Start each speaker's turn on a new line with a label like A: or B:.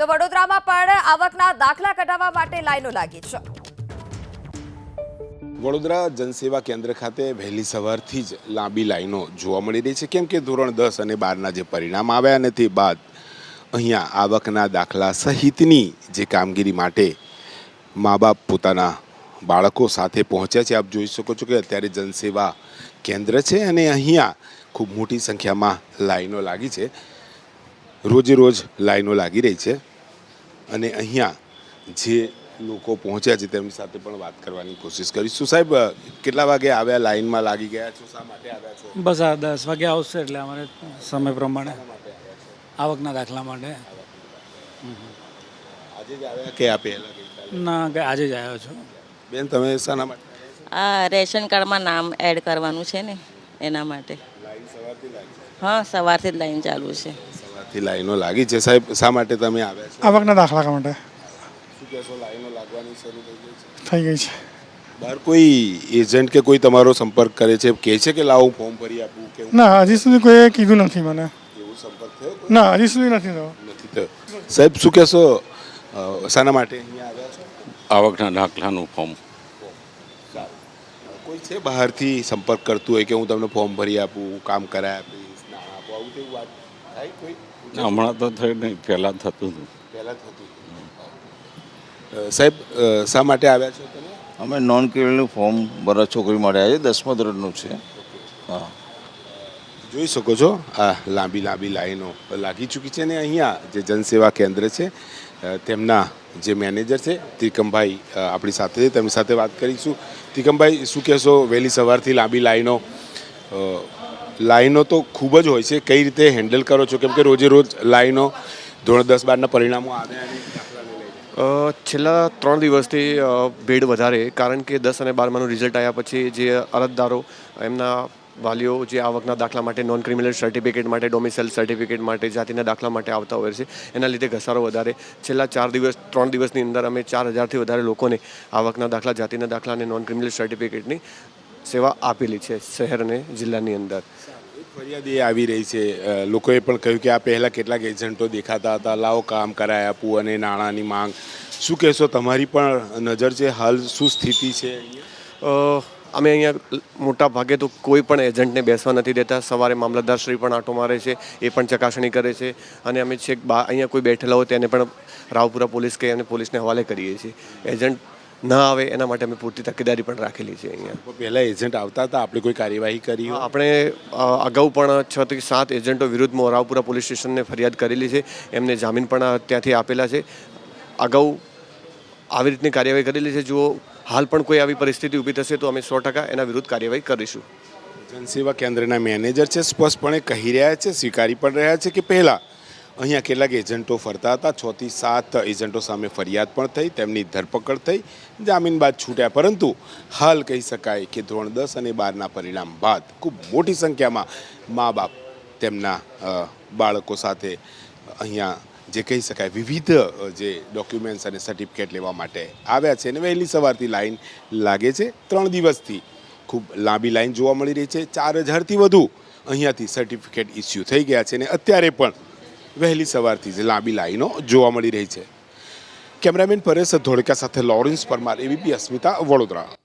A: તો વડોદરામાં પણ આવકના દાખલા કઢાવવા માટે લાઈનો લાગી છે।
B: વડોદરા જનસેવા કેન્દ્ર ખાતે વહેલી સવારથી જ લાંબી લાઈનો જોવા મળી રહી છે, કેમ કે ધોરણ 10 અને 12ના જે પરિણામ આવ્યા અને તે બાદ અહીંયા આવકના દાખલા સહિતની જે કામગીરી માટે મા બાપ પોતાના બાળકો સાથે પહોંચ્યા છે। આપ જોઈ શકો છો કે અત્યારે જનસેવા કેન્દ્ર છે અને અહીંયા ખૂબ મોટી સંખ્યામાં લાઈનો લાગી છે। રોજે રોજ લાઈનો લાગી રહી છે અને અહીંયા જે લોકો પહોંચ્યા છે તેમની સાથે પણ વાત કરવાની કોશિશ કરીશું। સાહેબ, કેટલા વાગે આવ્યા, લાઈનમાં લાગી ગયા છો, શા માટે આવ્યા છો?
C: બસ આ 10 વાગે આવશે એટલે અમારે સમય પ્રમાણે આવકના દાખલા માટે।
B: આજે જ આવ્યા કે આ પહેલા ગઈકાલે?
C: ના, આજે જ આવ્યો છું।
B: બેન, તમે શાના માટે?
D: આ રેશન કાર્ડમાં નામ એડ કરવાનું છે ને એના માટે।
B: લાઈન સવારથી લાગી છે?
D: હા, સવારથી જ લાઈન ચાલુ છે।
B: સવારથી લાઈનો લાગી છે। સાહેબ, શા માટે તમે આવ્યા છો?
E: આવકના દાખલા માટે
B: શું કહેશો, લાઈનો લાગવાની શરૂ થઈ ગઈ છે?
E: થઈ ગઈ છે।
B: બહાર કોઈ એજન્ટ કે કોઈ તમારો સંપર્ક કરે છે, કહે છે કે લાવો ફોર્મ ભરી આપું કે
E: ના, હજી સુધી કોઈએ કીધું નથી મને।
B: એવું સંપર્ક થયો?
E: ના, હજી સુધી નથી થયો।
B: નથી થયો। સાહેબ, શું કહેશો, શાના માટે અહીંયા આવ્યા છો?
F: આવકના દાખલાનું ફોર્મ।
B: કોઈ છે બહારથી સંપર્ક કરતું હોય કે હું તમને ફોર્મ ભરી આપું, કામ કરાવી આપીશ, નાણાં આપું, આવું તેવું વાત થાય કોઈ?
F: હમણાં તો થયું નહીં, પહેલાં થતું હતું।
B: પહેલાં થતું હતું। સાહેબ, શા માટે આવ્યા છો તમે?
G: અમે નોન ક્રિમિનલ ફોર્મ ભરવા છોકરી માટે આવ્યા છે, 10મા ધોરણનું છે। હા,
B: જોઈ શકો છો આ લાંબી લાંબી લાઈનો લાગી ચૂકી છે ને અહીંયા જે જનસેવા કેન્દ્ર છે તેમના જે મેનેજર છે ત્રિકમભાઈ આપણી સાથે છે, તેમની સાથે વાત કરીશું। ત્રિકમભાઈ, શું કહેશો, વહેલી સવારથી લાંબી લાઈનો તો ખૂબ જ હોય છે, કઈ રીતે હેન્ડલ કરો છો? કેમ કે રોજે રોજ લાઈનો ધોરણ 10 12ના પરિણામો આવ્યા અને દાખલાને લઈને
H: છેલ્લા 3 દિવસથી ભીડ વધારે, કારણ કે 10 અને 12માનું રિઝલ્ટ આવ્યા પછી જે અરજદારો એમના વાલીઓ જે આવકના દાખલા માટે, નોન ક્રિમિનલ સર્ટિફિકેટ માટે, ડોમિસાઇલ સર્ટિફિકેટ માટે, જાતિના દાખલા માટે આવતા હોય છે, એના લીધે ઘસારો વધારે। છેલ્લા 3 દિવસની અંદર અમે 4000થી વધારે લોકોને આવકના દાખલા, જાતિના દાખલા અને નોન ક્રિમિનલ સર્ટિફિકેટની સેવા આપેલી છે શહેર અને જિલ્લાની અંદર।
B: ફરિયાદ એ આવી રહી છે, લોકોએ પણ કહ્યું કે આ પહેલાં કેટલાક એજન્ટો દેખાતા હતા, લાવો કામ કરાવી આપું અને નાણાંની માંગ। શું કહેશો, તમારી પણ નજર છે, હાલ શું સ્થિતિ છે અહીંયા?
H: અમે અહીંયા મોટા ભાગે તો કોઈ પણ એજન્ટને બેસવા નથી દેતા। સવારે મામલતદારશ્રી પણ આંટો મારે છે, એ પણ ચકાસણી કરે છે અને અમે છેક અહીંયા કોઈ બેઠેલા હોય તેને પણ રાવપુરા પોલીસ કે અને પોલીસને હવાલે કરીએ છીએ। એજન્ટ ના આવે એના માટે અમે પૂરતી તકેદારી પણ રાખેલી છે અહીંયા।
B: પહેલાં એજન્ટ આવતા હતા, આપણે કોઈ કાર્યવાહી કરી?
H: આપણે અગાઉ પણ 6 થી 7 એજન્ટો વિરુદ્ધમાં રાવપુરા પોલીસ સ્ટેશનને ફરિયાદ કરેલી છે, એમને જામીન પણ ત્યાંથી આપેલા છે। અગાઉ આવી રીતની કાર્યવાહી કરેલી છે। જો હાલ પણ કોઈ આવી પરિસ્થિતિ ઊભી થશે તો અમે 100% એના વિરુદ્ધ કાર્યવાહી કરીશું।
B: જનસેવા કેન્દ્રના મેનેજર છે, સ્પષ્ટપણે કહી રહ્યા છે, સ્વીકારી પણ રહ્યા છે કે પહેલાં અહીંયા કેટલાક એજન્ટો ફરતા હતા, 6 થી 7 એજન્ટો સામે ફરિયાદ પણ થઈ, તેમની ધરપકડ થઈ, જામીન બાદ છૂટ્યા, પરંતુ હાલ કહી શકાય કે ધોરણ 10 અને 12ના પરિણામ બાદ ખૂબ મોટી સંખ્યામાં મા બાપ તેમના બાળકો સાથે અહીંયા જે કહી શકાય વિવિધ જે ડોક્યુમેન્ટ્સ અને સર્ટિફિકેટ લેવા માટે આવ્યા છે અને વહેલી સવારથી લાઈન લાગે છે। 3 દિવસથી ખૂબ લાંબી લાઈન જોવા મળી રહી છે। 4000થી વધુ અહીંયાથી સર્ટિફિકેટ ઇસ્યુ થઈ ગયા છે અને અત્યારે પણ વહેલી સવારથી જ લાંબી લાઈનો જોવા મળી રહી છે। કેમેરામેન પરેશ ધોળકા સાથે લોરેન્સ પરમાર, એબીપી અસ્મિતા, વડોદરા।